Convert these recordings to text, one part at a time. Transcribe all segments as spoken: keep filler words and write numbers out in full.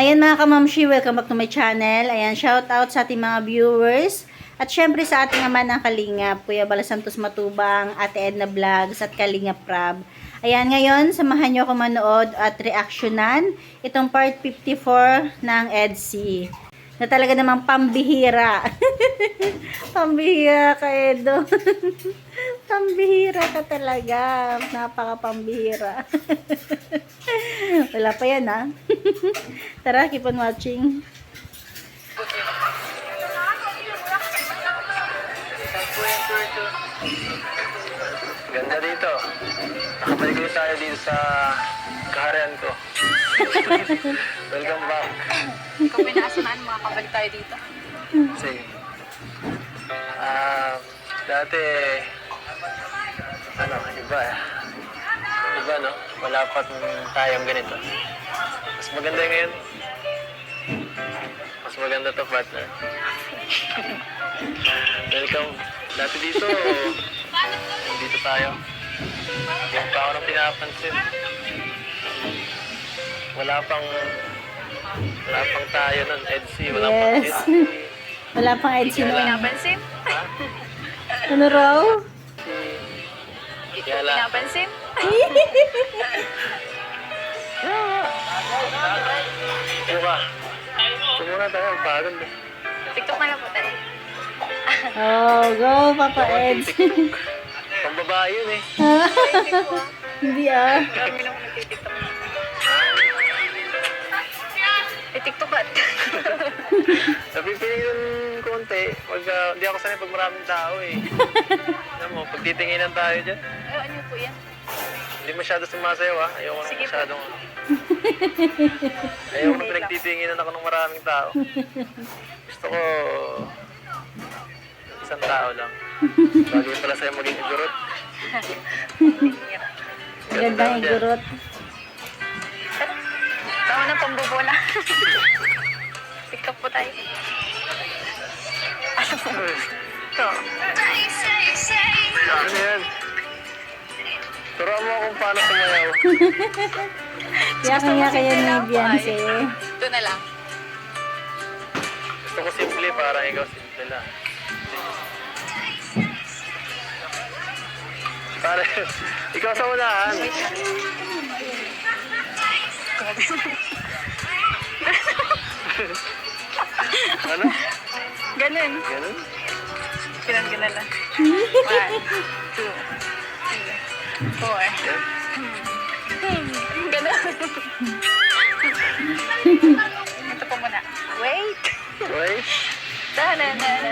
Ayan mga kamamshi, welcome back to my channel. Ayan, shout out sa ating mga viewers. At syempre sa ating ama ng Kalingap, Kuya Bala Santos Matubang, Ate Edna Vlogs at Kalingap Prab. Ayan, ngayon, samahan nyo ako manood at reaksyonan itong part fifty-four ng E D C. Na talaga namang pambihira. Pambihira ka, Edo. Pambihira ka talaga. Napaka pambihira. Wala pa yan, ha? Tara, keep on watching. Ganda dito. Nakabalik ulit tayo dito sa kaharian ko. Welcome back. Kung may naasamaan, makakabalik tayo dito. Sige. Ah, dati, ano, iba eh. Iba, no? Wala pa tayong ganito. Mas maganda yung ngayon. Mas maganda to, partner. Welcome. Dati dito, dito tayo. Hindi pa ako nang pinapansin. Wala pang, wala pang tayo nun, E D C. Wala pang E D Yes. C. Wala pang E D C Hindi ko noon. pinapansin. Ha? Ano raw? Hindi ko Kaya lang. pinapansin. Ano ba? Sumuna tayo, pagod. TikTok na lang po tayo. Oh, go, Papa Eds. Pang babae yun eh. Hindi ah. Marami lang ako nagtitiktok. Eh, TikTok ba? Napipili yung konti. Pag, uh, hindi ako sanay pag maraming tao eh. Alam mo, pag titinginan tayo dyan, Ay, ano po yan? hindi masyado sumasayaw ah. Ayoko na Sige po. masyadong... Ayoko na pinagtitinginan ako ng maraming tao. Gusto ko... isang tao lang. Bagay pala sa'yo maging igurot. Gandang igurot. Tama ng pambubola. TikTok po tayo. Ito. Ano yan? Turuan mo kung paano sumayaw. Kaya kaya kaya ni Beyonce. Ito na lang. Gusto ko simple para ikaw simple lang. Para, ikaw sa unahan. Ano? Ganun. Ganun? Ganun, ganun lang. One, two, three, four. Yan. Ganun. Ito po muna. Wait. Wait. Ta-na-na-na-na.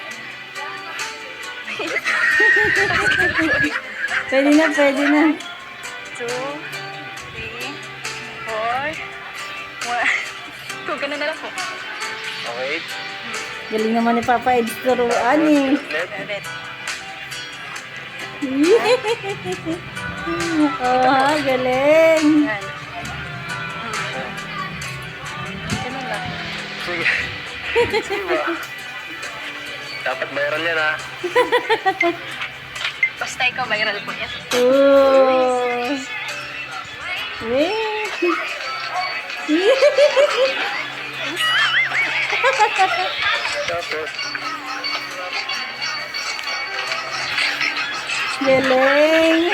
Pwede na, pwede na. Two, three, four, one. Two, ganun na lang po. Okay. Galing naman ni Papa Eds turuan eh. Ulit. Ulit. Oh, ha, galing. Yan. Ganun lang. Sige. Sige ba? Dapat viral yan ha. Basta ikaw, viral po yan. Oh. Wait. Tapos, Galing.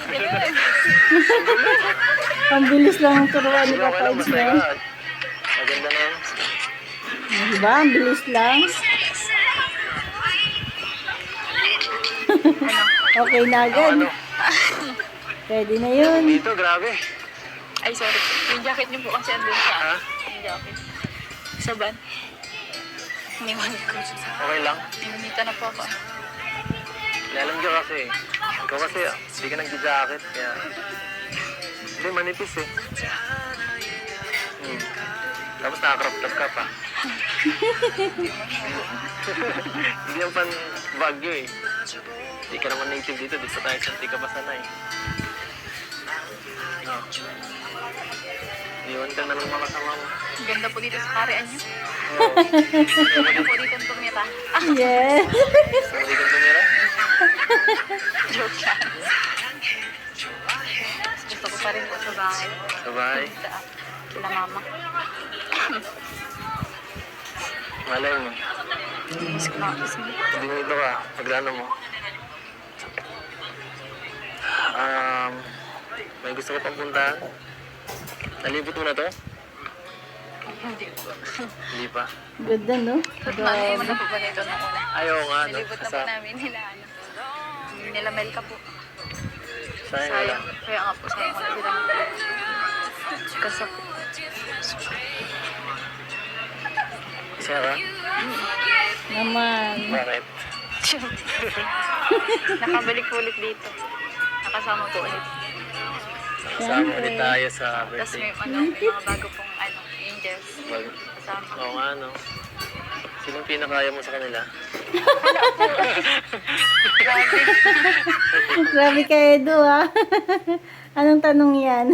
Ang bilis lang ang turuan ni sige, okay Papa lang. Eds Basta na. ikaw. Maganda na yan. Diba? Ang bilis lang. Okay na agad. Ano? Pwede na yun. Dito, grabe. Ay, sorry. Yung jacket niyo po kasi andun sa... Ha? Yung jacket. Sa van. Iniwan ko. Okay lang. Ninunita na po ako. Alam nyo kasi, ikaw kasi, ah, hindi ka nag-jacket, kaya... Hindi, manipis eh. Hmm. Tapos naka-crop top ka pa. Hindi yung pan Baguio eh. Hindi ka naman native dito, dito tayo sa hindi ka pa sanay. No. Iwan ka na ng mga kasama mo. Ganda po dito sa karian niyo. Oo. Ganda po dito ang tumira. Ah, Yes. Hindi ka tumira? joke lang. Gusto ko pa rin po sa bahay. Sabay. Sa Kila mama. Malay mo. Miss ko na ako sa Hindi dito ka. Paglano mo. Um, may gusto ko pang puntahan. Nalibot mo na to? Hindi po. Hindi pa. Ganda, no? Mali mo na po ba nito nung una? Ayaw nga, no? Nilibot na po Sa, namin nila, ano. Nila Melka po. sayang wala. Sayang. Kaya nga po, sayang ko na sila. Kasi po. Isa ka? Naman. Bakit? Nakabalik po ulit dito. Nakasama po ulit. Kasama ulit tayo sa Tapos birthday. may, ano, may mga bago pong ano, angels. Mag- Kasama. Oo nga, no? Sinong pinakaya mo sa kanila? Grabe. Grabe ka, Edo, ah. Anong tanong yan?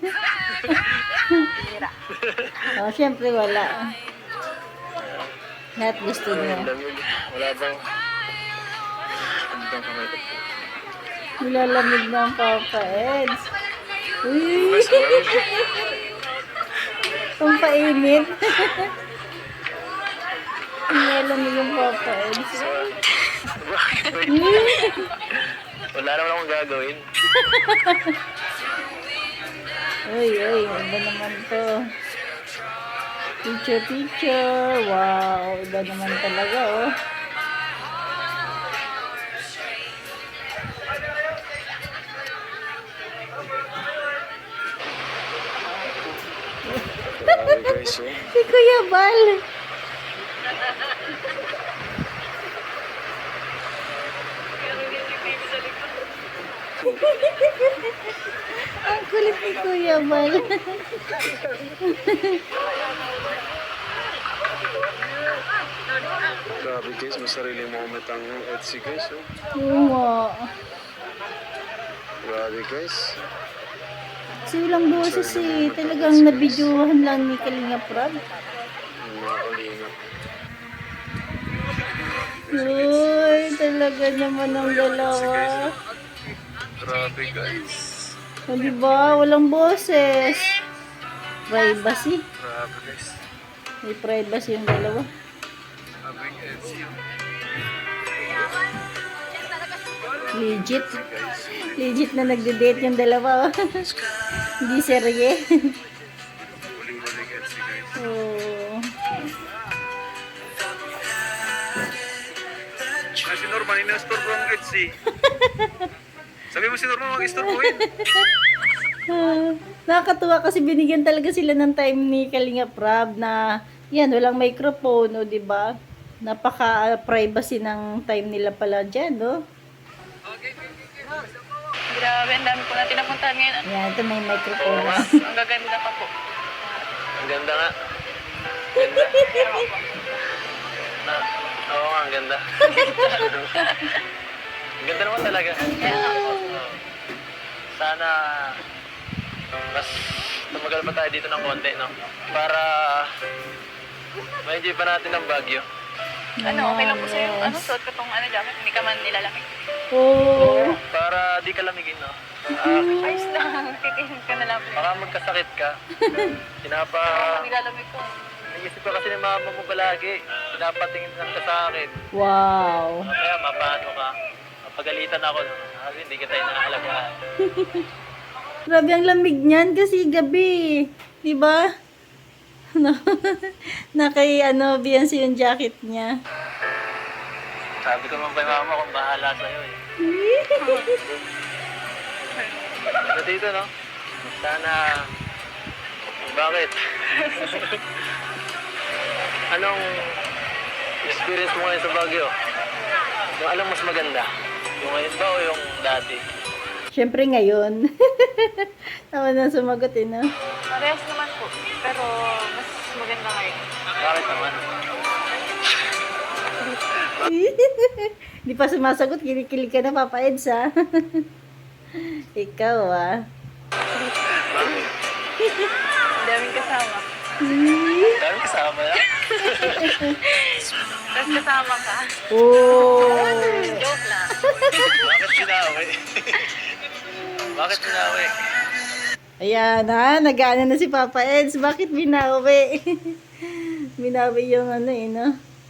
Tira. Oh, syempre wala. Lahat gusto Ang niya. lamig. Wala bang... Ano bang kamay ko? Nilalamig ng Papa Eds. Uy! Mas malamig. Pampainit. Nilalamig ng Papa Eds. Bakit? Wala naman akong gagawin. Uy, uy, iba naman to. Picture, picture. Wow, iba naman talaga, oh. Grabe guys, oh. Si Kuya Bal. Ang kulit ni Kuya Bal. Grabe guys, may sariling moment ang Etsy guys, oh. Oo nga. Grabe guys. Kasi walang boses eh. Talagang nabidyohan lang ni Kalinga Prab. Ang mga kalinga. Uy, talaga naman ang dalawa. Grabe guys. O diba, walang boses. Privacy. Grabe guys. May privacy yung dalawa. Grabe Etsy, oh. Legit. Guys. Legit na nagde-date yung dalawa. Oh. Hindi serye. Huling-huling Etsy guys. Oh. Ah, si Norman, ina-store ko ang Etsy. Sabi mo si Norman, mag-store ko yun. Ah, nakakatuwa kasi binigyan talaga sila ng time ni Kalinga Prab na yan, walang microphone, o diba? Napaka-privacy ng time nila pala dyan, no? Grabe, ang dami po natin napuntahan ngayon. Yan, ito may microphone. Oo nga. Ang gaganda pa po. Ang ganda nga. Ganda. Na, oo nga, ang ganda. Ang ganda naman talaga. Oo. Sana mas tumagal pa tayo dito ng konti, no? Para ma-enjoy pa natin ang Baguio. Ano, okay lang po sa'yo. Ano, suot ko tong ano jacket, hindi ka man nilalamig. Oh. Para di ka lamigin, no? Ah, Ayos lang, kikihin ka na lang. baka magkasakit ka. Pinapa... Nilalamig ko. Naisip ko kasi ng mama mo palagi. Pinapatingin lang ka sa akin. Wow. Kaya mapaano ka. Mapagalitan ako. Kasi hindi kita inaalagaan. Grabe ang lamig niyan kasi gabi. Di ba? No. Na kay ano, Beyonce yung jacket niya. Sabi ko naman kay mama kung bahala sa'yo eh. Ano dito, no? Sana... Bakit? Anong experience mo ngayon sa Baguio? Yung alam mas maganda? Yung ngayon ba o yung dati? Siyempre ngayon. Tama na sumagot eh, no? Parehas naman po, pero mas maganda ngayon. Bakit naman? Di pa sumasagot, kinikilig ka na, Papa Eds, ha? Ikaw, ah. Bakit? Ang daming kasama. Dami kasama yan? Tapos kasama ka. Oh. Joke lang. Bakit sinawi? Bakit sinawi? Ayan ha, nag-ano na si Papa Eds. Bakit binawi? Binawi yung ano eh, no?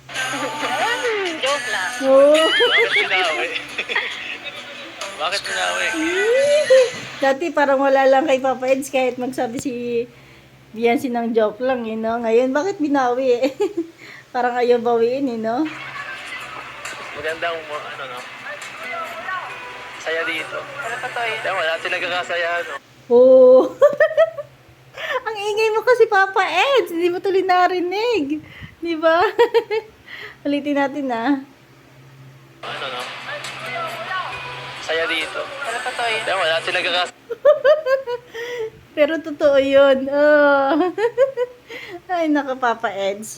Joke lang. Oo. Bakit pinawi? Bakit pinawi? Dati parang wala lang kay Papa Eds kahit magsabi si Biancy ng joke lang, eh, no? Ngayon, bakit binawi eh? Parang ayaw bawiin, eh, no? Magandang mo- ano no? Saya dito. Pero totoo yun. Kaya wala sila nagkakasaya, no? Oo. Ang ingay mo kasi, Papa Eds. Hindi mo tuloy narinig. Di ba? Ulitin natin, ah. Ano no? Saya dito. Pero totoo yun. Kaya wala sila nagkakasaya. Pero totoo yun. Oh. Ay, naka, Papa Eds.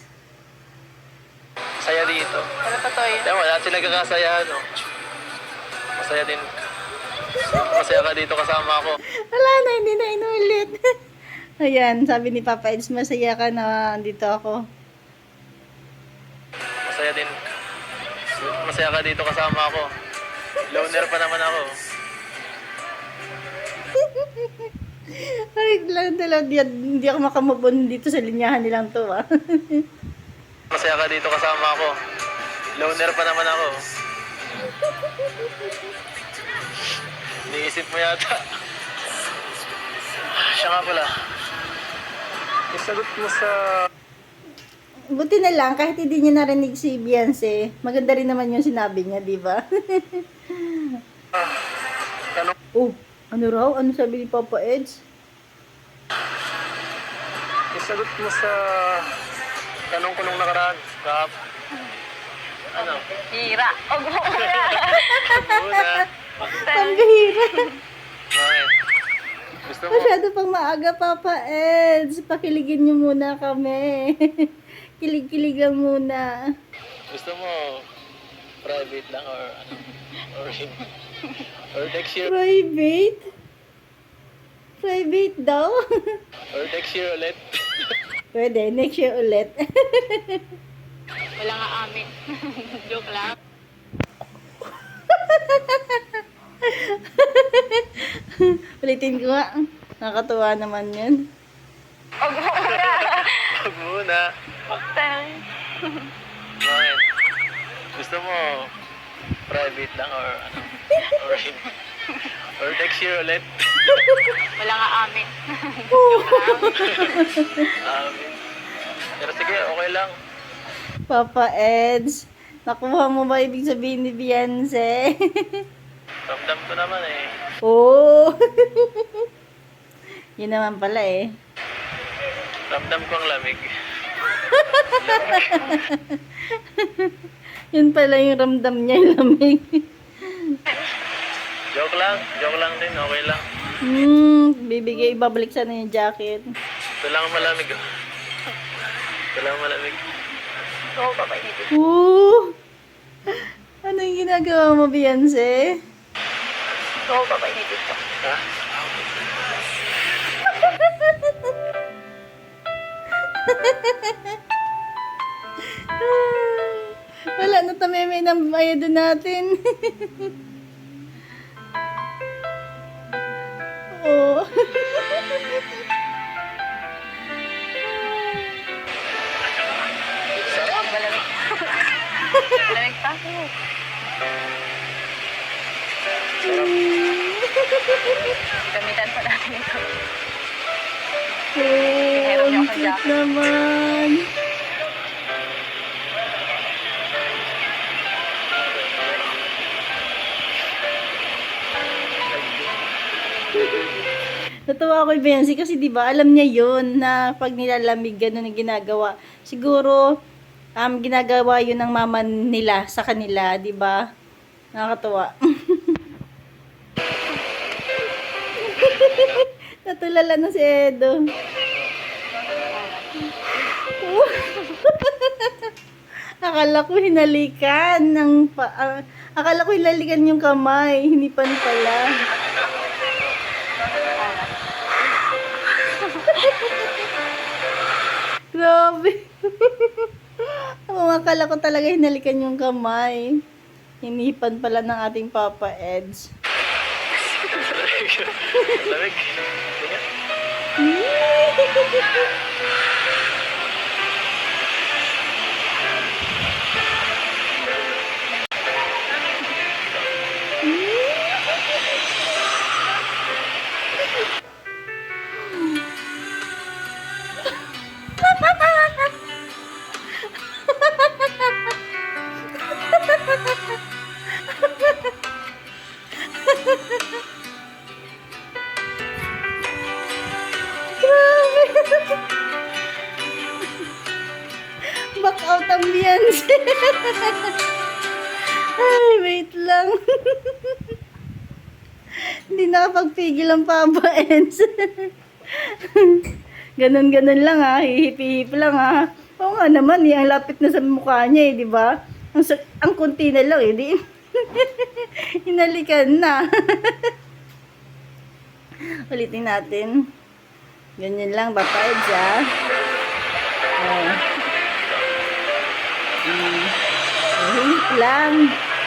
Saya dito. Pero totoo yun. Kaya wala sila nagkakasaya, no? Masaya din. Masaya ka dito kasama ako. Wala na, hindi na inulit. Ayan, sabi ni Papa Eds, masaya ka na andito ako. Masaya din. Masaya ka dito kasama ako. Loner pa naman ako. Ay, lang talaga, di, hindi ako makamabon dito sa linyahan nilang to, ah. Masaya ka dito kasama ako. Loner pa naman ako. Iniisip mo yata. Siya nga pala. Isagot mo sa... Buti na lang, kahit hindi niya narinig si Beyonce, maganda rin naman yung sinabi niya, di ba? Tanong Oh, ano raw? Ano sabi ni Papa Eds? Isagot mo sa tanong ko nung nakaraan. Kap. Ano? Hira. Og mo Una. Ang bihira. Bakit? Gusto mo? Masyado pang maaga, Papa Eds. Pakiligin niyo muna kami. Kilig-kilig lang muna. Gusto mo private lang or ano? Or, or next year? Private? Private daw? Or next year ulit? Pwede, next year ulit. Wala nga amin. Joke lang. Ulitin ko nga. Nakakatuwa naman yun. Og mo Wag muna. Bakit? Gusto mo private lang or ano? Or, or next year ulit? Wala nga amin. Um, pero sige, okay lang. Papa Eds, nakuha mo ba ibig sabihin ni Beyonce? Ramdam ko naman eh. Oo. Yun naman pala eh. Ramdam ko ang lamig. Yun pala yung ramdam niya, yung lamig. Joke lang. Joke lang din. Okay lang. Hmm, bibigay, ibabalik sana yung jacket. Ito lang ang malamig. Oh. Ito lang ang malamig. Oo, papainipin. Oo. Ano yung ginagawa mo, Beyonce? Oo, papainipin ko. Ha? Wala na tameme ng bayad natin. Oo. Sarap. Malamig. Malamig pa. Gamitan pa natin ito. Oo, ang cute naman. Natuwa ako kay Benzi kasi 'di ba alam niya 'yun na pag nilalamig ganun ang ginagawa. Siguro um ginagawa 'yun ng mama nila sa kanila, 'di ba? Nakakatuwa. Natulala na si Edo. Akala ko hinalikan ng pa, ah, akala ko hinalikan yung kamay, hinipan pala. Grabe. Ang akala ko talaga hinalikan yung kamay. Hinipan pala ng ating Papa Eds. Lamig. Sige. Back out ang Beyonce. Ay, wait lang. Hindi nakapagpigil ang Papa Ends. Ganon-ganon lang ha. Hihip-hihip lang ha. Oo nga naman, eh, ang lapit na sa mukha niya eh, di ba? Ang, sak- ang kunti na lang eh, di? Hinalikan na. Ulitin natin. Ganyan lang, Papa Eds ha. Oh. Mm. Hihip lang.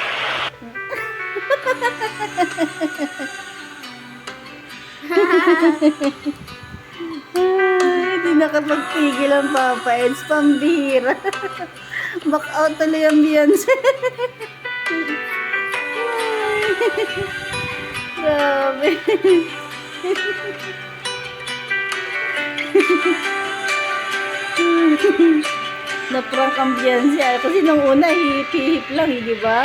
Ay, di nakapagpigil ang Papa Eds. Pambihira. Back out tuloy ang Beyonce. Grabe. Na-prank ang Beyonce. ah. Kasi nung una, hihip-hihip lang, eh, di ba?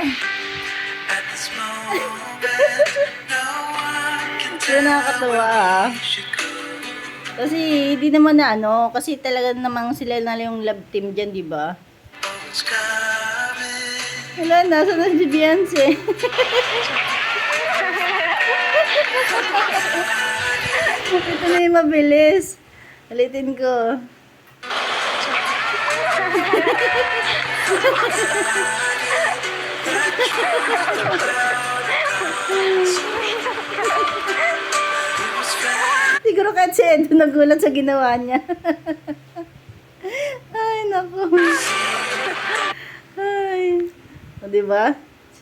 Pero nakakatawa ah. Kasi hindi naman na ano, kasi talaga namang sila na lang yung love team dyan, di ba? Wala, nasa na si Beyonce. Ito na yung mabilis. Ulitin ko. Siguro kahit si Edo nagulat sa ginawa niya. Ay, naku. Ay. O, diba?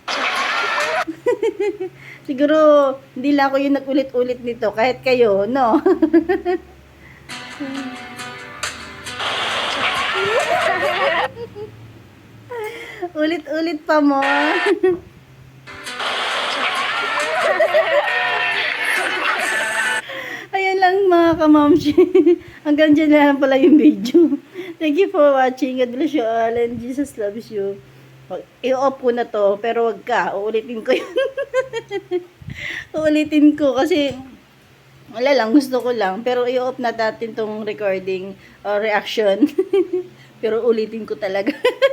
Siguro, hindi lang ako yung nag-ulit-ulit nito. Kahit kayo, no? Ulit-ulit pa mo. Ayan lang mga kamamshi. Hanggang dyan na lang pala yung video. Thank you for watching. God bless you all and Jesus loves you. I-off ko na to, pero wag ka. Uulitin ko yun. Uulitin ko kasi wala lang, gusto ko lang. Pero i-off na natin tong recording or reaction. Pero ulitin ko talaga.